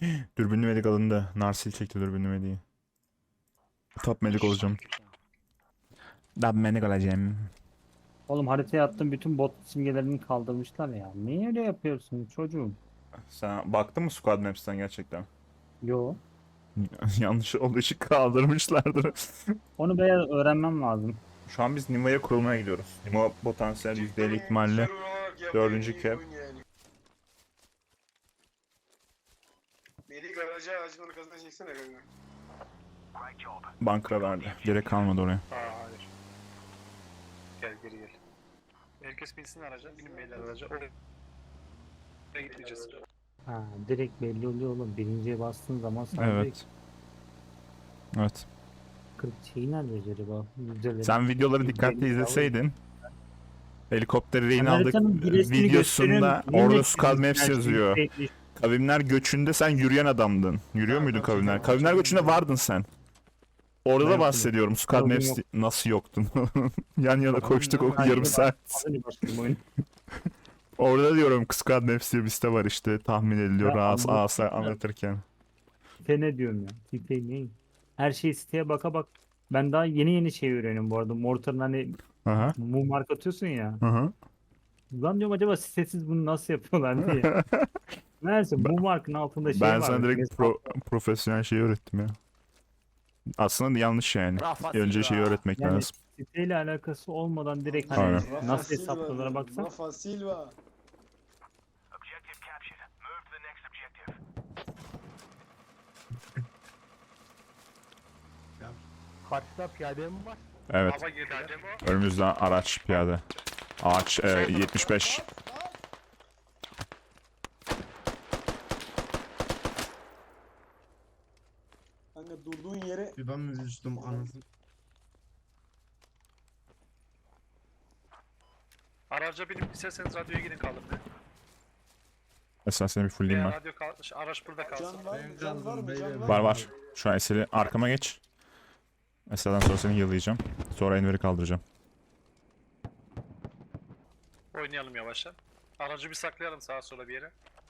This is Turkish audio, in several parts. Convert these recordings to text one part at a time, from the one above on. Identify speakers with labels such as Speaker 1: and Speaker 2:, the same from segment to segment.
Speaker 1: Dürbünlü medik alındı. Narsil çekti dürbünlü mediği. Top medik olacağım. Dab medik olacağım.
Speaker 2: Oğlum haritaya attım, bütün bot simgelerini kaldırmışlar ya. Niye öyle yapıyorsun çocuğum?
Speaker 1: Sen baktın mı Squad Maps'ten gerçekten?
Speaker 2: Yo.
Speaker 1: Yanlış olduğu için kaldırmışlardır.
Speaker 2: Onu biraz öğrenmem lazım.
Speaker 1: Şu an biz Nima'ya kurulmaya gidiyoruz. Nima potansiyel %50 ihtimalle dördüncü kez.
Speaker 3: Beni garaja ağacın arkasına çeksene kanka.
Speaker 1: Bankra verdi. Gerek kalmadı oraya.
Speaker 3: Hayır. Gel geri gel. Herkes binsin araca, binin beyler araca. Oraya gideceğiz.
Speaker 2: Ha, direkt belli oluyor oğlum. Birinciye bastığın zaman sana direkt
Speaker 1: Evet. Evet.
Speaker 2: 40 şeyi nerede acaba? Yüzdeleri.
Speaker 1: Sen videoları dikkatli izleseydin. Helikopteri rehin
Speaker 2: Ben
Speaker 1: aldık
Speaker 2: haritanın bir resmini
Speaker 1: videosunda
Speaker 2: gösteriyorum.
Speaker 1: orada
Speaker 2: Yemin
Speaker 1: Squad
Speaker 2: ederim
Speaker 1: Maps
Speaker 2: her şey
Speaker 1: yazıyor.
Speaker 2: belli.
Speaker 1: Kavimler göçünde sen yürüyen adamdın. Yürüyor muydun kavimler? Kavimler göçünde vardın sen. Orada da
Speaker 2: Ben
Speaker 1: bahsediyorum. Squad
Speaker 2: Yoktum.
Speaker 1: Maps nasıl yoktun? Yan yana koştuk o
Speaker 2: Ben
Speaker 1: yarım
Speaker 2: de
Speaker 1: saat.
Speaker 2: Az önce başladım oyunu.
Speaker 1: Orada diyorum Squad Maps diye bir site var işte tahmin ediliyor
Speaker 2: Ben
Speaker 1: Asa
Speaker 2: anlattım.
Speaker 1: anlatırken.
Speaker 2: Site ne diyorum ya? Site ne? Her şey siteye baka bak. Ben daha yeni şey öğreniyorum bu arada. Mortar'ın hani
Speaker 1: Aha.
Speaker 2: mum mark atıyorsun ya.
Speaker 1: Aha.
Speaker 2: Lan diyorum acaba sitesiz bunu nasıl yapıyorlar diye. Neyse
Speaker 1: Ben,
Speaker 2: mum markın altında şey
Speaker 1: ben
Speaker 2: var.
Speaker 1: sana direkt profesyonel şeyi öğrettim ya. Aslında yanlış yani. Önce şeyi öğretmek
Speaker 2: Yani
Speaker 1: lazım.
Speaker 2: siteyle alakası olmadan direkt
Speaker 1: Aynen.
Speaker 2: hani nasıl hesapladığına baksan.
Speaker 3: Rafa Silva.
Speaker 4: Karşıda piyade mi var?
Speaker 1: Evet.
Speaker 3: Hava girdiler.
Speaker 1: Önümüzden araç piyade. Ağaç 75.
Speaker 3: Kanka durduğun yere
Speaker 4: Bir ben mi düştüm anasını?
Speaker 5: Araca binip isterseniz radyoya gidin kalın.
Speaker 1: Mesela seni bir fullleyeyim ben.
Speaker 5: Radyo araç burada kalsın.
Speaker 3: can var mı?
Speaker 4: Benim
Speaker 3: Can var mı?
Speaker 4: canım
Speaker 3: Can
Speaker 4: beyler.
Speaker 3: var mı?
Speaker 1: Var. Şu an Esel'i arkama geç. Esel'den sonra seni yıllayacağım. Sonra Enver'i kaldıracağım.
Speaker 5: Oynayalım yavaşça. Aracı bir saklayalım sağa sola bir yere.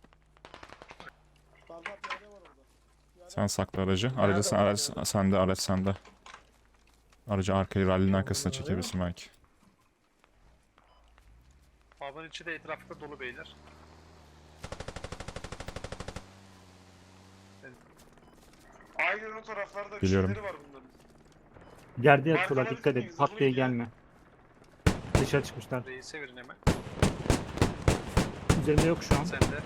Speaker 3: Fazla piyade var orada. Piyade
Speaker 1: Sen sakla aracı. Aracı sen, araç sende, araç sende. Aracı arkayı rallinin arkasına çekebilirsin belki.
Speaker 5: Havanın içi de etrafta dolu beyler.
Speaker 3: Aynen o taraflarda bir
Speaker 1: Biliyorum.
Speaker 3: şeyleri var bunların.
Speaker 2: Yerde
Speaker 3: Markaları
Speaker 2: yatıyorlar, dikkat et.
Speaker 3: çok iyi,
Speaker 2: Pat diye
Speaker 3: zırhlı
Speaker 2: gelme. Dışarı çıkmışlar.
Speaker 5: Reis'e verin hemen.
Speaker 2: Üzerinde yok şu an.
Speaker 5: Sen de.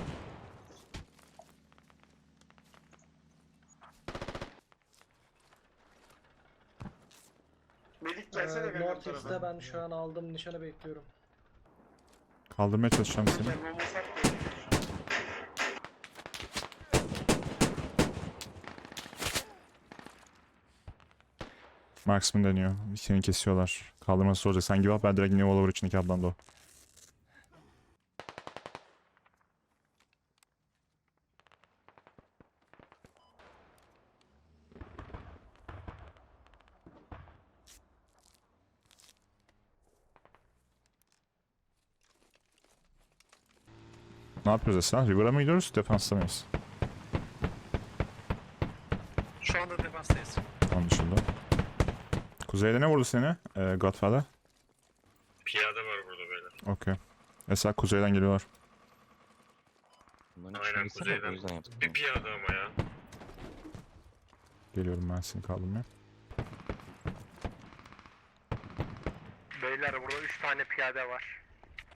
Speaker 3: Melik gelsene kanka bu
Speaker 6: Mortis'te
Speaker 3: tarafa.
Speaker 6: ben şu an aldım nişanı bekliyorum.
Speaker 1: Kaldırmaya çalışacağım seni.
Speaker 3: Sen olmasak da olur.
Speaker 1: Marksman deniyor. Seni kesiyorlar. Kaldırması zor olacak. Sen gibi ben direkt New Oliver içindeki ablan da o. Ne yapıyoruz Esra? River'a mı gidiyoruz? Defansta mıyız?
Speaker 5: Şu anda defanstayız.
Speaker 1: Anlaşıldı. Kuzeyde ne vurdu seni? Godfather.
Speaker 7: Piyade var burada beyler.
Speaker 1: Okey. Esra kuzeyden geliyorlar.
Speaker 7: Aynen kuzeyden. Bir piyade ama ya.
Speaker 1: Geliyorum ben seni kaldırmaya.
Speaker 5: Beyler burada 3 tane piyade var.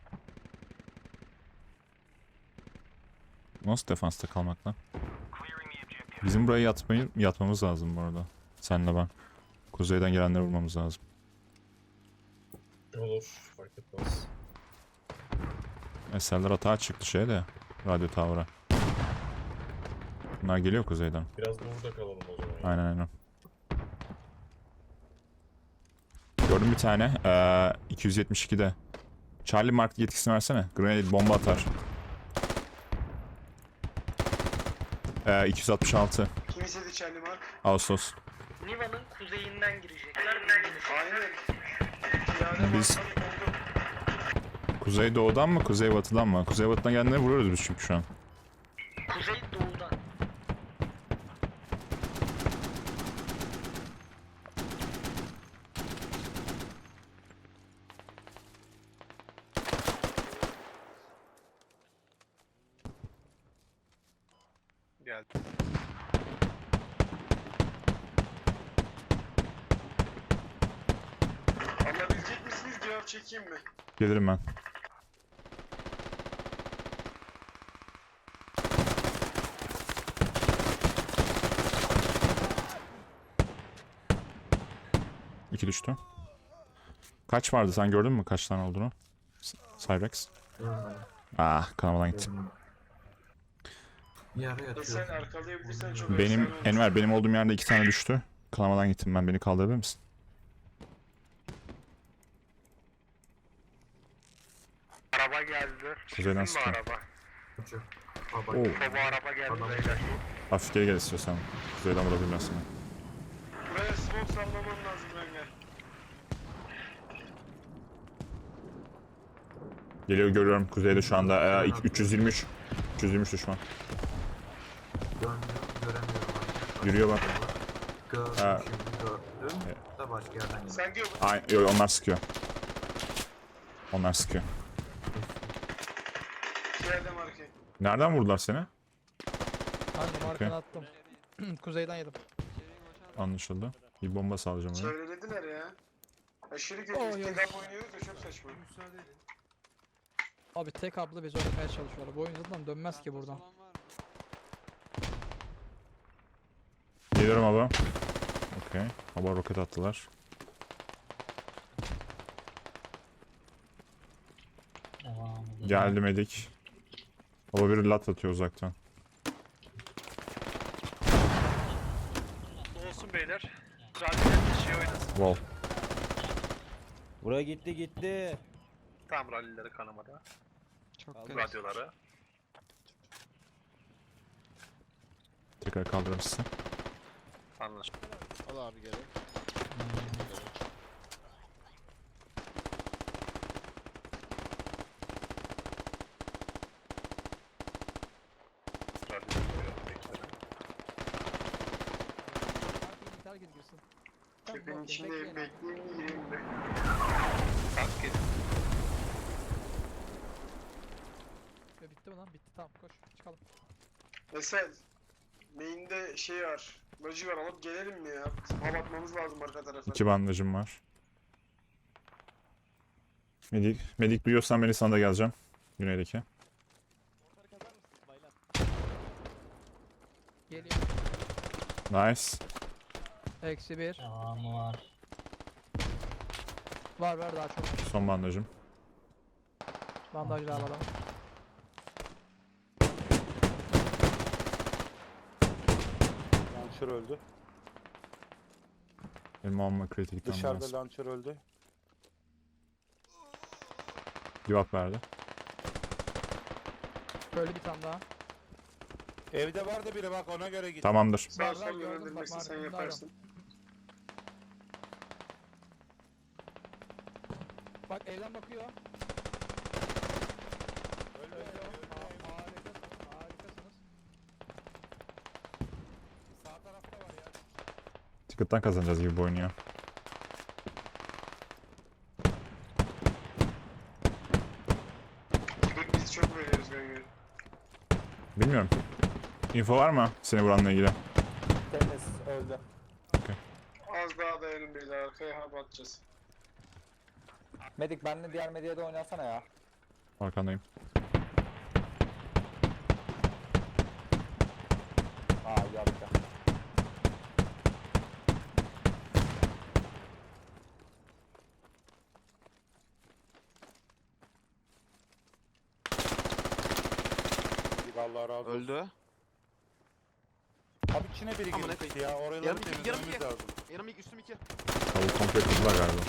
Speaker 1: Nasıl defansta kalmak lan? Bizim buraya yatmamız lazım bu arada. Senle ben. Kuzeyden gelenleri vurmamız lazım.
Speaker 7: Olur. Fark etmez.
Speaker 1: Eserler atağa çıktı de. Radyo tavra. Bunlar geliyor kuzeyden.
Speaker 7: Biraz da burada kalalım o zaman. ya.
Speaker 1: Aynen. Gördüm bir tane. 272'de. Charlie Mark yetkisini versene. Grenade bomba atar. 266.
Speaker 3: Kim istedi Charlie Mark?
Speaker 1: Ağustos.
Speaker 6: Niva'nın kuzeyinden girecekler.
Speaker 3: Aynen. Piyade
Speaker 1: Biz-
Speaker 3: markanı buldum.
Speaker 1: Kuzeydoğudan mı? Kuzeybatıdan mı? Kuzeybatıdan gelenleri vuruyoruz biz çünkü şu an.
Speaker 6: Kuzey doğudan.
Speaker 3: Geldi.
Speaker 8: Alabilecek misiniz? Cevap çekeyim mi?
Speaker 1: Gelirim ben. İki düştü. Kaç vardı, sen gördün mü kaç tane olduğunu? Cyrex. Ah, kanamadan gitti.
Speaker 8: Sen arkalayabilirsen çok
Speaker 1: Benim
Speaker 8: efsane olur.
Speaker 1: Enver, benim olduğum yerde 2 tane düştü. Kanamadan gittim ben, beni kaldırabilir misin?
Speaker 5: Araba geldi.
Speaker 1: Kuzeyden
Speaker 5: Sizin mi
Speaker 1: sıkıyor.
Speaker 5: araba?
Speaker 1: Oo,
Speaker 5: Baba araba geldi beyler.
Speaker 1: hafif geri gel istiyorsan. Kuzeyden vurabilirim ben seni.
Speaker 8: Buraya smoke sallaman lazım Önger.
Speaker 1: Geliyor, görüyorum kuzeyde şu anda 323. 323 düşman. Yürüyor bak. Ha.
Speaker 8: Sen diyor
Speaker 1: Ay, yok, onlar sıkıyor. Onlar sıkıyor.
Speaker 8: bu yerde marke.
Speaker 1: Nereden vurdular seni?
Speaker 9: Kanka markanı attım. Kuzeyden yedim.
Speaker 1: Anlaşıldı. Bir bomba salacağım ona.
Speaker 8: Çevrelediler ya. Aşırı kötü.
Speaker 9: Oy, oy.
Speaker 8: İstikap oynuyoruz da çok saçma.
Speaker 9: Abi tek abla bizi oynamaya çalışıyorlar. Bu oyun zaten dönmez ki buradan.
Speaker 1: Geliyorum abi. Okey. Hava roket attılar. Geldim edik. Hava bir lat atıyor uzaktan.
Speaker 5: Olsun beyler. Rally'ler şey oynasın.
Speaker 1: Wow.
Speaker 10: Buraya gitti.
Speaker 5: Tam rally'leri kanamada.
Speaker 10: Çok
Speaker 5: Radyoları.
Speaker 1: Tekrar kaldırırsın.
Speaker 5: Anlaşıldı.
Speaker 7: Al abi geri.
Speaker 9: Herkes girsin.
Speaker 8: Tepenin içinde bekleyeyim mi gireyim mi?
Speaker 5: Kalk gel.
Speaker 9: Bitti mi lan? Bitti, tamam koş çıkalım.
Speaker 8: Mesela main'de şey var. Loji var, alıp gelelim mi ya? Hava atmamız lazım arka tarafa.
Speaker 1: 2 bandajım var. Medik duyuyorsan beni, sana da geleceğim. Güneydeki.
Speaker 9: Geliyor.
Speaker 1: Nice.
Speaker 9: Eksi bir. Var daha çok.
Speaker 1: Son bandajım.
Speaker 9: Bandaj daha alalım.
Speaker 4: Launcher öldü.
Speaker 1: Benim alma kritikten
Speaker 4: Dışarıda
Speaker 1: biraz.
Speaker 4: launcher öldü.
Speaker 1: Cevap verdi.
Speaker 9: Böyle bir tane daha.
Speaker 4: Evde vardı biri, bak ona göre git.
Speaker 1: Tamamdır.
Speaker 8: Sağ
Speaker 9: Var,
Speaker 8: sol
Speaker 9: gördüm,
Speaker 8: yönlendirmesi
Speaker 9: bak,
Speaker 8: sen
Speaker 9: markamda
Speaker 8: yaparsın.
Speaker 9: Bak evden bakıyor. Harikasınız.
Speaker 4: Sağ tarafta var ya.
Speaker 1: Ticket'tan kazanacağız gibi bu oyunu ya.
Speaker 8: Biz çok veriyoruz Önger.
Speaker 1: Bilmiyorum. Info var mı seni vuranla ilgili?
Speaker 4: Temiz öldü.
Speaker 8: Az daha dayanın beyler, arkaya hava atacağız.
Speaker 10: Medik benle diğer medyada oynasana ya.
Speaker 1: Arkandayım.
Speaker 10: Aa yaptı.
Speaker 4: Allah razı olsun.
Speaker 11: Öldü.
Speaker 4: Abi içine biri
Speaker 11: Amına
Speaker 4: girmişti ya. Oraları
Speaker 11: Yarım-
Speaker 4: temizlememiz
Speaker 11: yarım-
Speaker 4: lazım.
Speaker 11: Yanım ilk üstüm 2.
Speaker 1: Tavuk komple kırdılar galiba.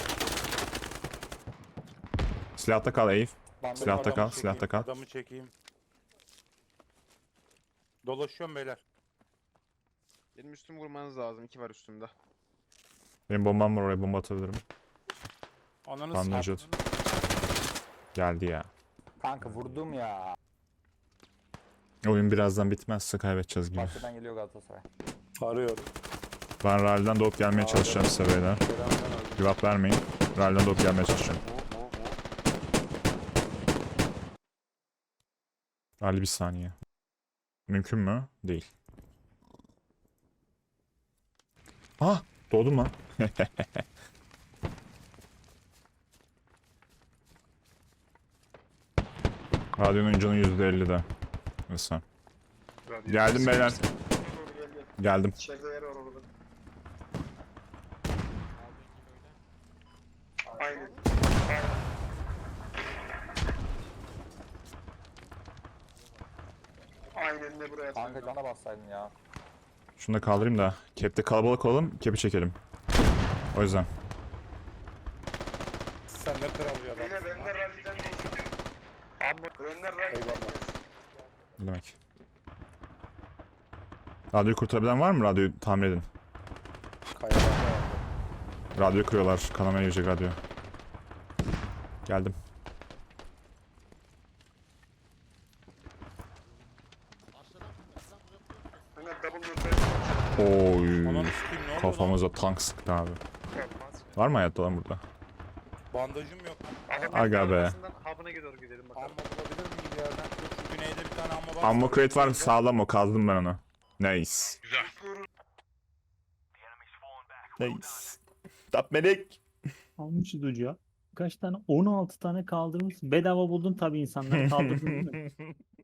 Speaker 1: Silahta kal Eyüp. Silahta
Speaker 4: Adamı
Speaker 1: kal,
Speaker 4: çekeyim,
Speaker 1: silahta kal.
Speaker 4: Adamı çekeyim. Dolaşıyorum beyler.
Speaker 11: Benim üstüm vurmanız lazım. 2 var üstümde.
Speaker 1: Benim bombam var, oraya bomba atabilirim.
Speaker 4: Ananı
Speaker 1: Bandajı
Speaker 4: s***.
Speaker 1: at. Geldi ya.
Speaker 10: Kanka vurdum ya.
Speaker 1: Oyun birazdan bitmezse kaybedeceğiz gibi.
Speaker 10: Bahçeden geliyor Galatasaray.
Speaker 4: Arıyorum.
Speaker 1: Ben rally'den doğup gelmeye çalışacağım size beyler. Cevap vermeyin. Rally'den doğup gelmeye çalışacağım. Rally bir saniye. Mümkün mü? Değil. Ah! Doğdum lan. Radyonun canı %50'de. Mesela. Geldim beyler.
Speaker 8: Doğru gel gel.
Speaker 1: Geldim.
Speaker 8: İçeride yer var orada. Aynen. Aynen de buraya
Speaker 10: Kanka
Speaker 8: atıyor.
Speaker 10: cana bassaydın ya.
Speaker 1: Şunu da kaldırayım da. Cap'te kalabalık olalım. Cap'i çekelim. O yüzden.
Speaker 4: Sen ne kral bir adam.
Speaker 8: Beyler benler ralliden değil. Benler ralliden
Speaker 4: Eyvallah.
Speaker 8: değil.
Speaker 1: Ne demek? Radyoyu kurtarabilen var mı? Radyoyu tamir edin.
Speaker 4: Kayalarda vardı.
Speaker 1: Radyoyu kırıyorlar. Kanamaya girecek radyo. Geldim.
Speaker 8: Benler double nötr.
Speaker 1: Oy.
Speaker 4: Ananı sikeyim, ne oluyor lan?
Speaker 1: Kafamıza tank sıktı abi. Var mı hayatta lan burada?
Speaker 4: Bandajım yok.
Speaker 1: Aga be.
Speaker 5: Hub'ına doğru gidelim
Speaker 4: Amma
Speaker 5: bakalım.
Speaker 4: bulabilir miyim bir yerden? Şu güneyde bir tane amma var.
Speaker 1: Ammo crate var. Sağlam o. Kazdım ben onu. Nice.
Speaker 7: Güzel.
Speaker 1: Nice. Tap medik.
Speaker 2: Almışız ucu ya. Kaç tane? 16 tane kaldırmışsın. Bedava buldun tabii insanları kaldırdın değil mi?